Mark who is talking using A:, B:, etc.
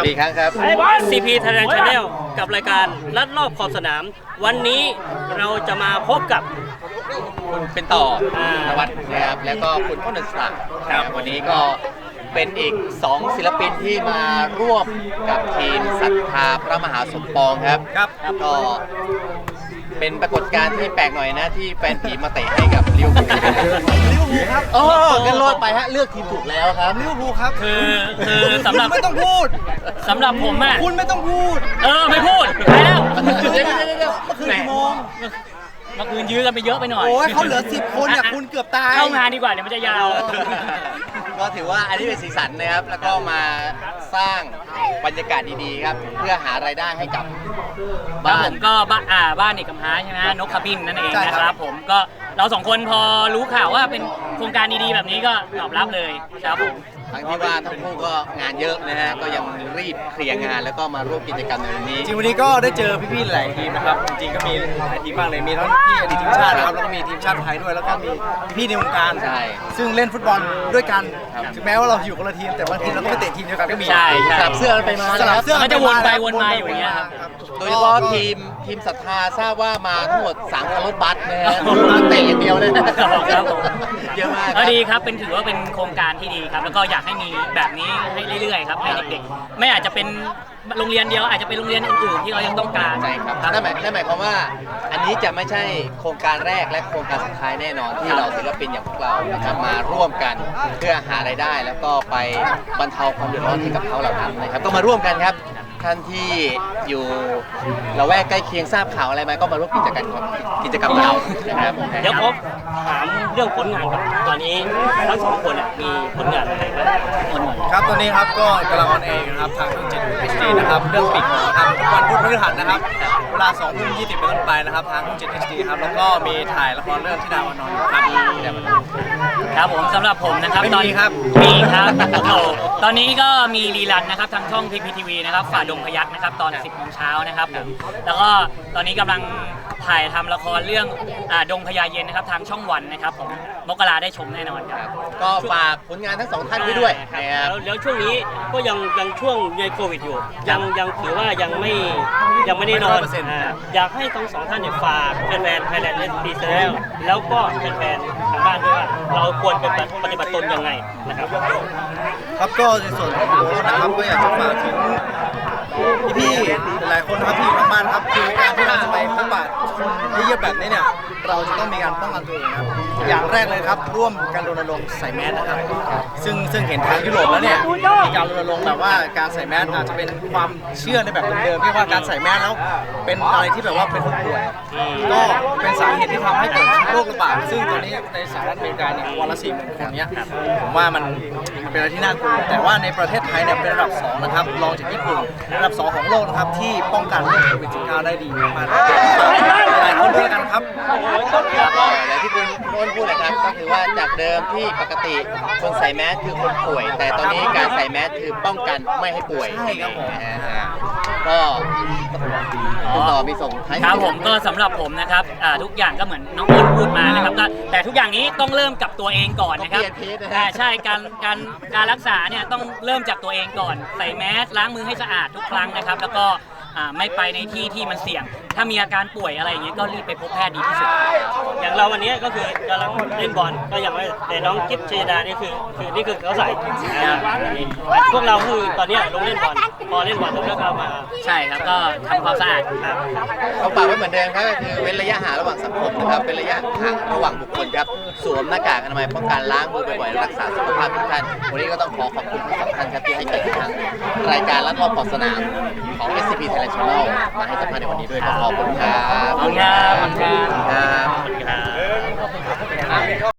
A: อีกครั้งครับ
B: CP Thailand Channel กับรายการลัดรอบขอบสนามวันนี้เราจะมาพบกับ
A: คุณเป็นต่อนวัดนะครับแล้วก็คุณพ้นศรักดิ์วันนี้ก็เป็นอีก2ศิลปินที่มาร่วมกับทีมศรัทธาพระมหาสมปองครับก็เป็นปรากฏการณ์ที่แปลกหน่อยนะที่แฟนผีมาเตะให้กับลิเวอร์พูลครับกันรอดไปฮะเลือกทีมถูกแล้วครับ
C: ลิเวอร์พูลครับ
B: คือสำหรับ
C: ไม่ต้องพูด
B: สำหรับผมอ่ะ
C: คุณไม่ต้องพูด
B: ไม่พูดไปแล้ว
A: เดี๋ยว
C: เมื่อคืนกี่โมง
B: เมื่อคืนยื้อกันไปเยอะไปหน่อย
C: โอ้ยเขาเหลือ10 คนเนี่ยคุณเกือบตาย
B: เข้างานดีกว่าเดี๋ยวมันจะยาว
A: ก็ถือว่าอันนี้เป็นสีสันนะครับแล้วก็มาสร้างบรรยากาศดีๆครับเพื่อหารายได้ให้กับ
B: บ้านก็บ้านเอกมหาใช่ไหมนกขบินนั่นเองนะครับผมก็เรา2คนพอรู้ข่าวว่าเป็นโครงการดีๆแบบนี้ก็ตอบรับเลยครับผม
A: ทั้งที่ว่าทั้งคู่ก็งานเยอะนะฮะก็ยังรีบเคลียร์งานแล้วก็มาร่วมกิจกรรมในวันนี้
C: จริงวันนี้ก็ได้เจอพี่ๆหลายทีมนะครับจริงๆก็มีหลายทีมมากเลยมีทั้งพี่อดีตทีมชาตินะครับแล้วก็มีทีมชาติไทยด้วยแล้วก็มีพี่ในวงการซึ่งเล่นฟุตบอลด้วยกันถึงแม้ว่าเราอยู่คนละทีมแต่บางทีเราก็ไปเตะทีมเดียวกันก็มี
B: ใช่
A: สลับเสื้อไปมา
C: สลับเสื้อ
B: ก็จะวนไปวนมาอยู่อย่างเงี้ย
A: โดยเฉพาะทีมศรัทธาทราบว่ามาทั้งหมด3 คันรถบัสนะฮะเตะอย่างเดียวเลย
B: ครับผม
A: เยอะมาก
B: ดีครับถือว่าเป็นโครงการที่ดีครับแล้วก็อยากให้มีแบบนี้ให้เรื่อยๆครับให้เด็กๆไม่อาจจะเป็นโรงเรียนเดียวอาจจะเป็นโรงเรียนอื่นๆที่เรายังต้องการ
A: ใช่ครับนั่นหมายความว่าอันนี้จะไม่ใช่โครงการแรกและโครงการสุดท้ายแน่นอนที่เราศิลปินอย่างพวกเรานะครับมาร่วมกันเพื่อหารายได้แล้วก็ไปบรรเทาความเดือดร้อนให้กับเขาเหล่านั้นนะครับก็มาร่วมกันครับท่านที่อยู่ละแวกใกล้เคียงทราบข่าวอะไรไหมก็มาร่วมกิจกรรมเรานะครับ
B: เดี๋ยวผมถามเรื่องผลงานก่อนตอนนี้ทั้ง2 คนมีผลงานอะไรบ้าง
C: ครับตอนนี้ครับก็กำลังออนแอร์นะครับทางช่อง7 HD นะครับเรื่องปิดนะครับวันพุธพฤหัสนะครับเวลา20:20เป็นต้นไปนะครับทางช่อง7 HD ครับแล้วก็มีถ่ายละครเรื่องที่ดาวานอนครับ
B: ผมสำหรับผมนะครับตอนนี้
C: ครับ
B: มีครับตอนนี้ก็มีรีรันนะครับทางช่อง PPTV นะครับฝ่าดงพยัคฆ์นะครับตอน 10 โมงเช้านะครับผมแล้วก็ตอนนี้กำลังถ่ายทำละครเรื่องดงพญาเย็นนะครับทางช่องวันนะครับผมมกราได้ชมแน่นอนครับ
A: ก็ฝากผลงานทั้ง2 ท่านไว้ด้วย
B: แล้วช่วงนี้ก็ยังช่วงในโควิดอยู่ยังถือว่ายังไม่ได้นอนอยากให้ทั้ง2 ท่านฝากแฟนๆ Thailand Channel แล้วก็แฟนๆทางบ้านด้วยว่าเราควรปฏิบัติตนยังไงนะครับ
C: ครับก็ในส่วนของผมนะครับก็อยากจะฝากถึงพี่หลายคนนะครับที่อยู่ทางบ้านครับคือการที่เราจะไปพบปะคนเยอะๆแบบนี้เนี่ยเราจะต้องมีการป้องกันตัวเองครับอย่างแรกเลยครับร่วมกันรณรงค์ใส่แมสนะครับซึ่งเห็นทางยุโรปแล้วเนี่ยมีการรณรงค์แบบว่าการใส่แมสอาจจะเป็นความเชื่อในแบบเดิมๆที่ว่าการใส่แมสแล้วเป็นอะไรที่แบบว่าเป็นผู้ป่วยก็เป็นสาเหตุที่ทำให้เกิดโรคระบาดซึ่งตอนนี้ในสหรัฐอเมริกาเนี่ยวันละ40,000 คนเนี้ยผมว่ามันเป็นอะไรที่น่ากลัวแต่ว่าในประเทศไทยเนี่ยเป็นระดับ2นะครับรองจากญี่ปุ่นระดับ2ของโลกนะครับที่ป้องกันโรคโควิด -19 ได้ดีมากหลายคนด้วยกันครับ
A: อย่างที่คุณโน้นพูดนะครับก็คือว่าจากเดิมที่ปกติคนใส่แมสคือคนป่วยแต่ตอนนี้การใส่แมสคือป้องกันไม่ให้ป่วย
C: ใช่ครับผม
A: ก็คุณต่อมีส่งท้าย
B: ครับผมก็สำหรับผมนะครับทุกอย่างก็เหมือนน้องอ้นพูดมานะครับแต่ทุกอย่างนี้ต้องเริ่มกับตัวเองก่อนนะครับใช่การรักษาเนี่ยต้องเริ่มจากตัวเองก่อนใส่แมสล้างมือให้สะอาดทุกครั้งนะครับแล้วก็ไม่ไปในที่ที่มันเสี่ยงถ้ามีอาการป่วยอะไรอย่างเงี้ยก็รีบไปพบแพทย์ดีที่สุดอย่างเราวันนี้ก็คือกำลังเล่นบอลก็อย่างว่าแต่น้องกิ๊บเชยดานี่คือนี่คือเขาใส่พวกเราคือตอนนี้ลงเล่นบอลพอเล่นบอลแล้วก็มาใช่ครับก็ทำความสะอาด
A: เขาฝากไว้เหมือนเดิมครับก็คือเว้นระยะห่างระหว่างสังคมนะครับเป็นระยะห่างระหว่างบุคคลครับสวมหน้ากากอนามัยป้องกันล้างมือบ่อยๆรักษาสุขภาพทุกท่านวันนี้ก็ต้องขอบคุณทั้ง2 ท่านครับที่ให้เกียรติทางรายการลัดรอบขอบสนามของ SCP Thailand Channel มาให้สัมภาษณ์ในวันนี้ด้วยขอบคุณครับ
B: ขอบคุณครับ
A: ครับ